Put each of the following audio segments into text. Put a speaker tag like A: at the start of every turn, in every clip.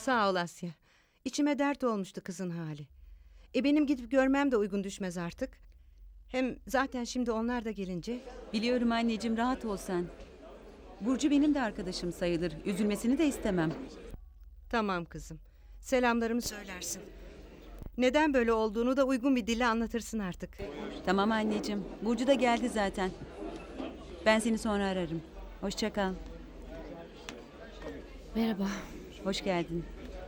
A: Sağ ol Asya. İçime dert olmuştu kızın hali. Benim gidip görmem de uygun düşmez artık. Hem zaten şimdi onlar da gelince...
B: Biliyorum anneciğim, rahat ol sen. Burcu benim de arkadaşım sayılır. Üzülmesini de istemem.
A: Tamam kızım. Selamlarımı söylersin. Neden böyle olduğunu da uygun bir dille anlatırsın artık.
B: Tamam anneciğim. Burcu da geldi zaten. Ben seni sonra ararım. Hoşça kal.
C: Merhaba.
B: Hoş geldin.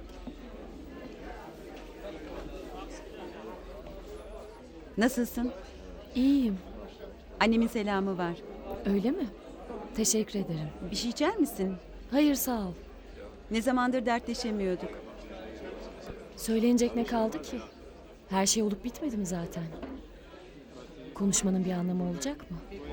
B: Nasılsın?
C: İyiyim.
B: Annemin selamı var.
C: Öyle mi? Teşekkür ederim.
B: Bir şey içer misin?
C: Hayır sağ ol.
B: Ne zamandır dertleşemiyorduk.
C: Söylenecek ne kaldı ki? Her şey olup bitmedi mi zaten? Konuşmanın bir anlamı olacak mı?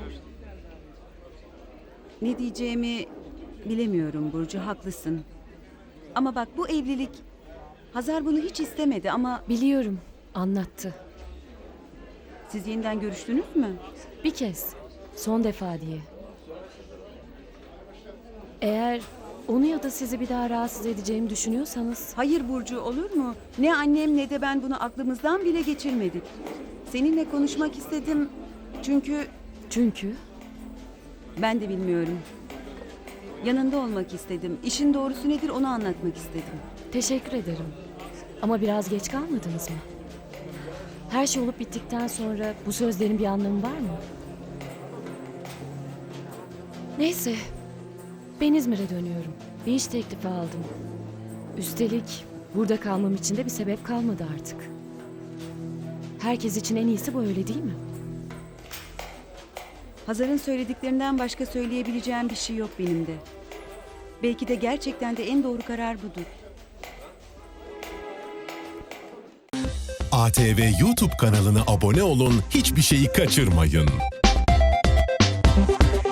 B: Ne diyeceğimi bilemiyorum Burcu, haklısın. Ama bak, bu evlilik... Hazar bunu hiç istemedi ama
C: Biliyorum. Anlattı.
B: siz yeniden görüştünüz mü?
C: Bir kez. Son defa diye. Eğer onu ya da sizi bir daha rahatsız edeceğimi düşünüyorsanız...
B: Hayır Burcu, olur mu? Ne annem ne de ben bunu aklımızdan bile geçirmedik. Seninle konuşmak istedim çünkü
C: Çünkü
B: ben de bilmiyorum. Yanında olmak istedim. İşin doğrusu nedir onu anlatmak istedim.
C: teşekkür ederim. Ama biraz geç kalmadınız mı? Her şey olup bittikten sonra bu sözlerin bir anlamı var mı? Neyse. Ben İzmir'e dönüyorum. Bir iş teklifi aldım. Üstelik burada kalmam için de bir sebep kalmadı artık. Herkes için en iyisi bu, öyle değil mi?
B: Hazar'ın söylediklerinden başka söyleyebileceğim bir şey yok benim de. Belki de gerçekten de en doğru karar budur.
D: ATV YouTube kanalına abone olun, hiçbir şeyi kaçırmayın.